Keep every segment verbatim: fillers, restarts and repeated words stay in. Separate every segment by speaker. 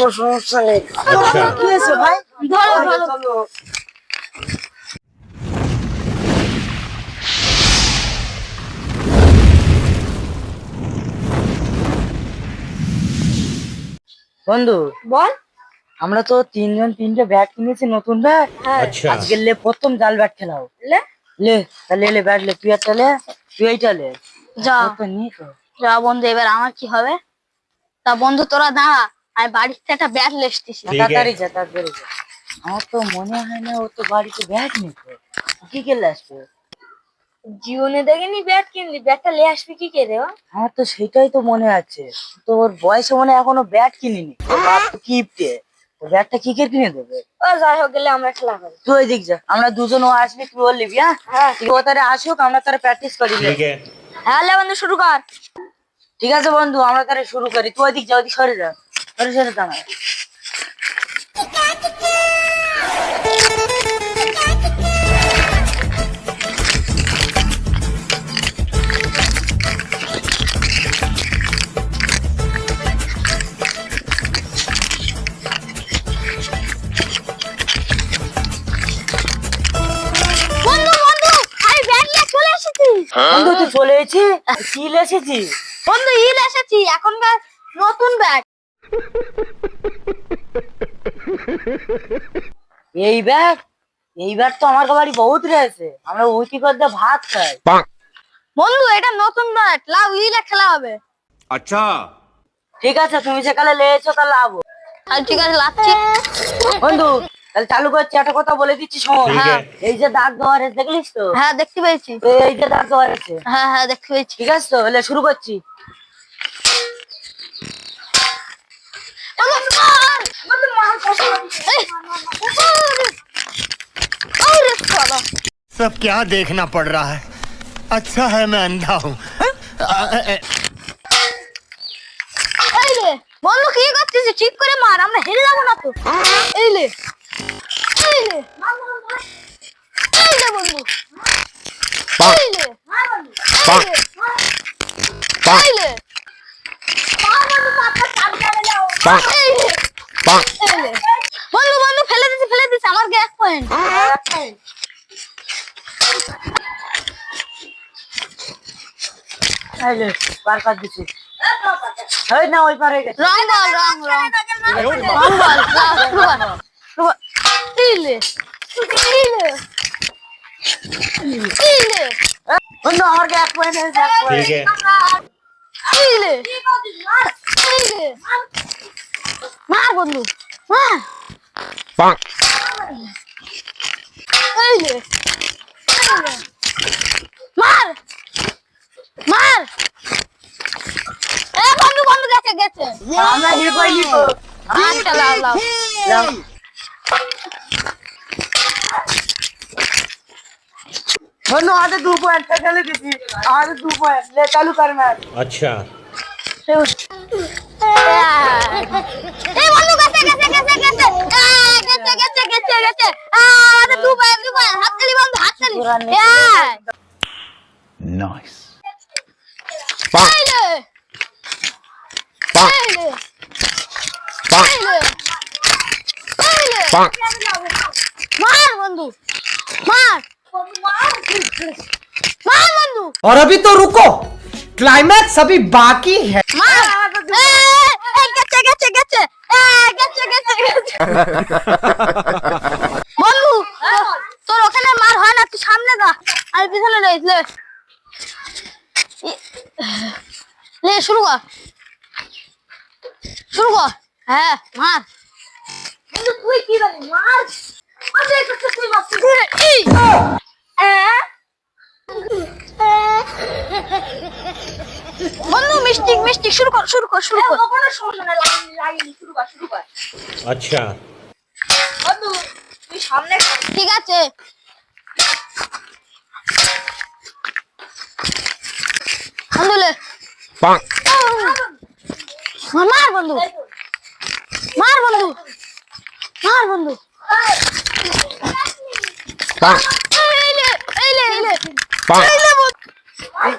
Speaker 1: কোনো সমস্যা নেই।
Speaker 2: কি হয়েছে ভাই?
Speaker 1: ধরো ধরো।
Speaker 2: বন্ধু
Speaker 1: বল।
Speaker 2: আমরা তো তিনজন তিনটে ব্যাট কিনেছি, নতুন ব্যাট।
Speaker 3: আচ্ছা
Speaker 2: আজকে লে প্রথম জাল ব্যাট খেলাও।
Speaker 1: লে
Speaker 2: লে তাহলে লে ব্যাট লে, তুই একটা লে, তুই এইটা লে।
Speaker 4: যা
Speaker 2: তোর তো নিয়ে তো।
Speaker 4: যা বন্ধু, এবার আমার কি হবে? তা বন্ধু তোরা দাঁড়া, আমি বাড়িতে একটা ব্যাট লেসতেছি।
Speaker 3: ঠিক
Speaker 2: তাড়াতাড়ি
Speaker 3: আছে।
Speaker 2: যা, তাড়াতাড়ি যা। আমার তো মনে হয় না ও তো বাড়িতে ব্যাট নিত। কি খেলে আসবে?
Speaker 1: জীবনে দেখিনি ব্যাট কিনলি, ব্যাটটা নিয়ে আসবি কি করে?
Speaker 2: আমার তো সেটাই তো মনে আছে। তোর বয়সে মনে হয় এখনো ব্যাট কিনিনি। তোর বাপ তো কিপটে, তো ব্যাটটা কি করে কিনে দেবে?
Speaker 1: ও যাই হোক, গেলে আমরা খেলা করি।
Speaker 2: তুই ওই দিক যা, আমরা দুজন ও আসবি, তুই ওর লিবি। হ্যাঁ
Speaker 1: হ্যাঁ
Speaker 2: ঠিক, ও তারা আসুক, আমরা তারা প্র্যাকটিস করি। লে।
Speaker 3: ठीक है
Speaker 1: হ্যাঁ লে বন্ধু, শুরু কর।
Speaker 2: ঠিক আছে বন্ধু, আমরা তারা শুরু করি। তুই ওই দিক যা, ওইদিক সরে যা, সরে সরে দাঁড়া।
Speaker 4: বন্ধু বন্ধু, আমি ব্যাট নিয়ে চলে এসেছি।
Speaker 2: বন্ধু তুই চলে এসেছি? কি এসেছি?
Speaker 4: বন্ধু ইল এসেছি, এখনকার নতুন ব্যাট।
Speaker 2: এই ব্যাট? এই ব্যাট তো আমার বাড়ি বহুত রয়েছে, আমরা উইকি করতে ভাত খাই।
Speaker 4: বন্ধু এটা নতুন ব্যাট, লাভ ইলে খেলা হবে।
Speaker 3: अच्छा
Speaker 2: ঠিক আছে, তুমি সেকালে লেছো তাহলে আবো।
Speaker 4: আর ঠিক আছে, লাচ্ছি।
Speaker 2: বন্ধু তাহলে চালু করছি, একটা কথা বলে দিচ্ছি শোন।
Speaker 3: ঠিক
Speaker 2: হ্যাঁ,
Speaker 3: আছে।
Speaker 2: এই যে দাগ দেওয়া আছে দেখলিস তো?
Speaker 4: হ্যাঁ দেখতে পেয়েছি।
Speaker 2: এই যে দাগ দেওয়া আছে,
Speaker 4: হ্যাঁ হ্যাঁ দেখতে পেয়েছি।
Speaker 2: ঠিক আছে তো? তাহলে শুরু করছি।
Speaker 4: বন্ধু, মার! এই! আরে শালা!
Speaker 5: सब क्या देखना पड़ रहा है। अच्छा है मैं अंधा हूँ।
Speaker 4: এই রে, বন্ধু কি করছিস? ঠিক করে মার, আমরা হেরে যাবো না তো। এই লে, এই লে, এই লে বন্ধু, এই লে, এই লে, এই লে, এই লে, এই লে। বন্ধু বন্ধু ফেলে দিছি, ফেলে দিছি, আমার গ্যাস পয়েন্ট।
Speaker 2: এই লে, পার কাট দিচ্ছি। এই না, ওই পার হয়ে গেছে।
Speaker 4: রং বল, রং রং রং বল, লাও, শুরু কর, শুরু কর। এই লে, এই লে, এই লে,
Speaker 2: বন্ধু আমার এক পয়েন্ট হয়েছে, এক point।
Speaker 3: ठीक है
Speaker 4: এই লে, এই লে। মার বন্ধু, মার। এই লে, এই লে। মার, মার। এ বন্ধু বন্ধু গেছে গেছে।
Speaker 2: আমরা হিট পাইনি তো।
Speaker 4: আচ্ছা লাও লাও।
Speaker 2: লাও। বন্ধু আমাদের দু পয়েন্ট খেলে দিচ্ছি, আমাদের দু পয়েন্ট। লে চালু কর ম্যাচ।
Speaker 3: अच्छा
Speaker 4: এই বন্ধু গেছে গেছে গেছে গেছে। আ, গেছে গেছে গেছে গেছে। আ, আমাদের দু পয়েন্ট দু পয়েন্ট। হাততালি বন্ধু, হাততালি। এই।
Speaker 5: नाइस।
Speaker 4: এই লে, এই লে, এই লে, এই লে। মার বন্ধু, মার, মার বন্ধু,
Speaker 6: और अभी तो रुको, क्लाइमैक्स अभी बाकी है।
Speaker 4: মার। এই, এই, গেছে গেছে গেছে। এই, গেছে গেছে গেছে। বন্ধু তোর- তোর ওখানে মার হয় না, তুই সামনে যা, আমি পিছনে রইস। লে লে শুরু কর, শুরু কর। হ্যাঁ মার।
Speaker 1: কিন্তু তুই কি জানি মার, আমি একটু তুই মারছিস।
Speaker 4: এই, বন্ধু মিষ্টি মিষ্টি, শুরু কর শুরু কর শুরু কর।
Speaker 1: কোনো সমস্যা নাই, লাগিনি লাগিনি, শুরু কর শুরু কর।
Speaker 3: अच्छा
Speaker 1: বন্ধু তুই সামনে খা।
Speaker 4: ঠিক আছে। বন্ধু লে, মার বন্ধু, মার বন্ধু, মার বন্ধু। এই লে, এই লে, এই লে, এই লে বন্ধু।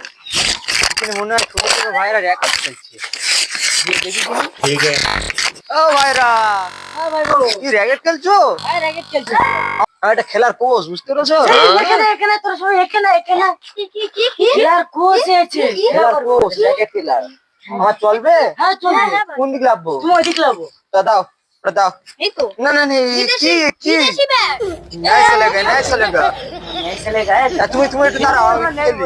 Speaker 2: এখানে মনে হয় ছোট ছোট ভাইরা র্যাকেট খেলছে। গিয়ে দেখি কিনা।
Speaker 3: ठीक है ও ভাইরা
Speaker 2: হ্যাঁ ভাই বলো।
Speaker 3: কি র্যাকেট খেলছো?
Speaker 2: হ্যাঁ র্যাকেট খেলছি।
Speaker 3: আর এটা খেলার কোচ বুঝতে পেরেছো?
Speaker 2: এই, এখানে এখানে তোর সবাই এখানে এখানে
Speaker 4: কি কি কি কি
Speaker 2: খেলার কোচ আছে।
Speaker 3: খেলার কোচ র্যাকেট খেলার আমার চলবে?
Speaker 2: হ্যাঁ চলবে।
Speaker 3: কোন দিকে লাভবো?
Speaker 2: তুমি ওইদিক লাবো।
Speaker 3: তা দাও ওটা দাও।
Speaker 4: এই তো
Speaker 3: না না না এই কি কি
Speaker 4: বিদেশি ব্যাট
Speaker 3: নাই চলেগা নাই চলেগা
Speaker 2: এই ছেলে গায়ে
Speaker 3: আর তুমি তুমি একটু দাঁড়াও আমি খেলি।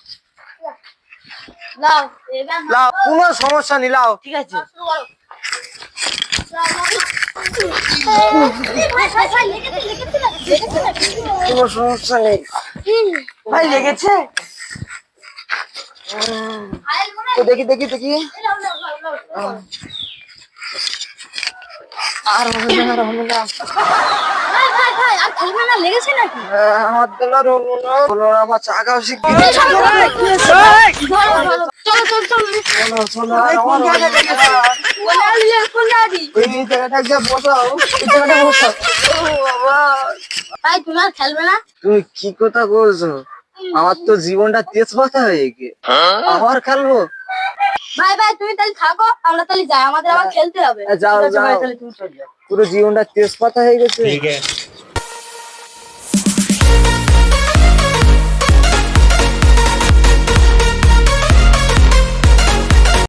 Speaker 4: নাও এবার
Speaker 3: লাও কোনো সমস্যা নেই লাও।
Speaker 2: ঠিক আছে।
Speaker 4: শুরু করো ভাই ভাই ভাই লেগেছে লেগেছে না লেগেছে না
Speaker 3: কোনো সমস্যা নেই।
Speaker 2: ভাই লেগেছে?
Speaker 4: আইল মনে
Speaker 3: তো দেখি দেখি দেখি
Speaker 4: লাও লাও লাও লাও
Speaker 3: আর হবে না আর হবে না।
Speaker 4: ভাই ভাই ভাই আর খেলবে না লেগেছে নাকি
Speaker 3: আহ, আমার দলার হলো না হলো না আমার চাকাও শিখবি
Speaker 4: চলো চলো চলো
Speaker 3: চলো চলো আর আমার হবে না।
Speaker 4: কোলা দিয়ে কোলা দি
Speaker 3: ওই যে জায়গাটা গিয়ে বসাও এই জায়গাটা বসাও। ও বাবা
Speaker 4: ভাই তুমি আর খেলবে না
Speaker 3: তুমি কি কথা বলছো? আমার তো জীবনটা তেজপাতা হয়ে গে আবার খেলবো?
Speaker 4: ভাই ভাই তুমি তাহলে থাকো আমরা তাহলে যাই আমাদের আবার খেলতে হবে
Speaker 3: যাও
Speaker 2: ঠিক আছে ভাই
Speaker 3: যাও
Speaker 2: তাহলে তুমি চলে যাও।
Speaker 3: পুরো জীবনটা তেজপাতা হয়ে গেছে।